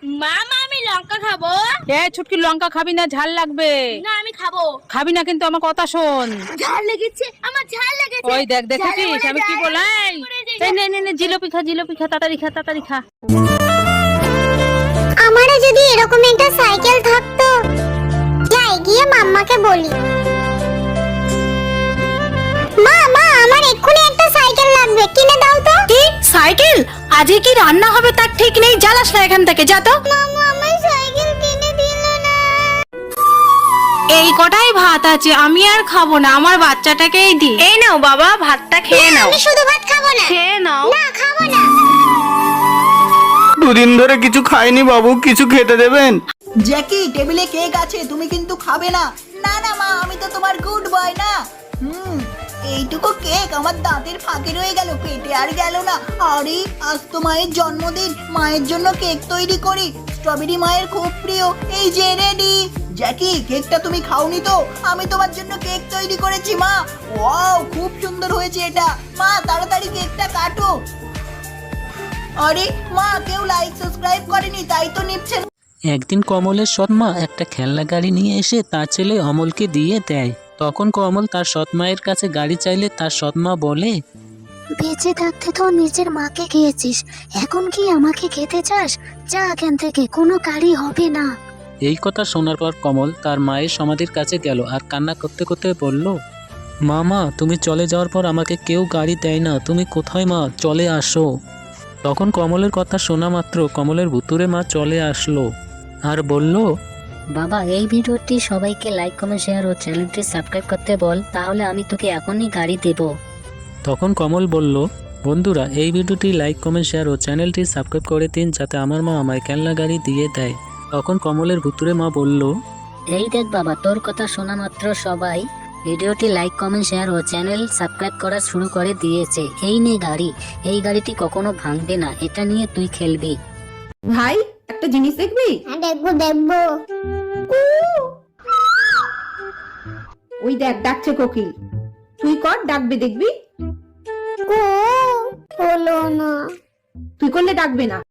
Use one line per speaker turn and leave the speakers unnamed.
মামা আমি লঙ্কা খাবো।
ছুটকি লঙ্কা খাবি না, ঝাল লাগবে।
না আমি খাবো।
খাবি না কিন্তু আমার কথা শোন।
ঝাল লেগেছে, আমার ঝাল লেগেছে।
ওই দেখ, দেখেছিস আমি কি বলাই? নে জিলাপি খা, তাড়াতাড়ি খা।
আমারও যদি এরকম একটা সাইকেল থাকতো, যাই গিয়ে মাম্মাকে বলি, মা আমার এক্ষুনি একটা সাইকেল লাগবে, কিনে দাও তো।
কি সাইকেল? আজকে কি রান্না হবে তার ঠিক নেই, জ্বালাস না এখান থেকে, যা তো।
মাম্মা আমার সাইকেল কিনে দিল না।
এই কটাই ভাত আছে, আমি আর খাবো না, আমার বাচ্চাটাকেই দি। এই নাও বাবা, ভাতটা খেয়ে নাও।
আমি শুধু ভাত খাবো না।
খেয়ে নাও।
না খাবো না।
দুদিন ধরে কিছু খাইনি বাবু, কিছু খেতে দেবেন?
জ্যাকি, টেবিলে কেক আছে, তুমি কিন্তু খাবে না। না না মা, আমি তো তোমার গুড বয় না। এইটুকু কেক আমার দাঁতের ফাঁকে রয়ে গেল, পেটে আর গেল না। আরে আজ তো মায়ের জন্মদিন, মায়ের জন্য কেক তৈরি করি। স্ট্রবেরি মায়ের খুব প্রিয়। এই যে রেডি। জ্যাকি, কেকটা তুমি খাওনি তো? আমি তোমার জন্য কেক তৈরি করেছি মা। ওয়াও, খুব সুন্দর হয়েছে এটা। মা তাড়াতাড়ি কেকটা কাটো। আরে মা, কেউ লাইক সাবস্ক্রাইব করেনি, তাই তো নিচ্ছে না।
একদিন কমলের সৎমা একটা খেলনা গাড়ি নিয়ে এসে তার ছেলে অমলকে দিয়ে দেয়। তখন কমল তার সৎমায়ের কাছে গাড়ি চাইলে তার সৎমা বলে,
বেঁচে থাকতে তো নিজের মাকে খেয়েছিস, এখন কি আমাকে খেতে চাস? যা এখান থেকে, কোনো গাড়ি হবে না।
এই কথা শোনার পর কমল তার মায়ের সমাধির কাছে গেল আর কান্না করতে করতে বলল, মা তুমি চলে যাওয়ার পর আমাকে কেউ গাড়ি দেয় না, তুমি কোথায় মা, চলে আসো। তখন কমলের কথা শোনা মাত্র কমলের ভুতুরে মা চলে আসলো আর বলল,
বাবা এই ভিডিওটি সবাইকে লাইক কমেন্ট শেয়ার ও চ্যানেলটি সাবস্ক্রাইব করতে বল, তাহলে আমি তোকে এখনই গাড়ি দেব।
তখন কমল বলল, বন্ধুরা এই ভিডিওটি লাইক কমেন্ট শেয়ার ও চ্যানেলটি সাবস্ক্রাইব করে দিন, যাতে আমার মা আমায় খেলনা গাড়ি দিয়ে দেয়। তখন কমলের ভুতুরে মা বলল,
এই দেখ বাবা, তোর কথা শোনা মাত্র সবাই ভিডিওটি লাইক কমেন্ট শেয়ার ও চ্যানেল সাবস্ক্রাইব করা শুরু করে দিয়েছে। এই নে গাড়ি, এই গাড়িটি কখনো ভাঙবে না, এটা নিয়ে তুই খেলবি।
ভাই একটা জিনিস দেখবি?
হ্যাঁ দেখবো।
ওই দেখ ডাকছে কোকিল, তুই কর, ডাকবে দেখবি।
হলো না।
তুই করলে ডাকবে না।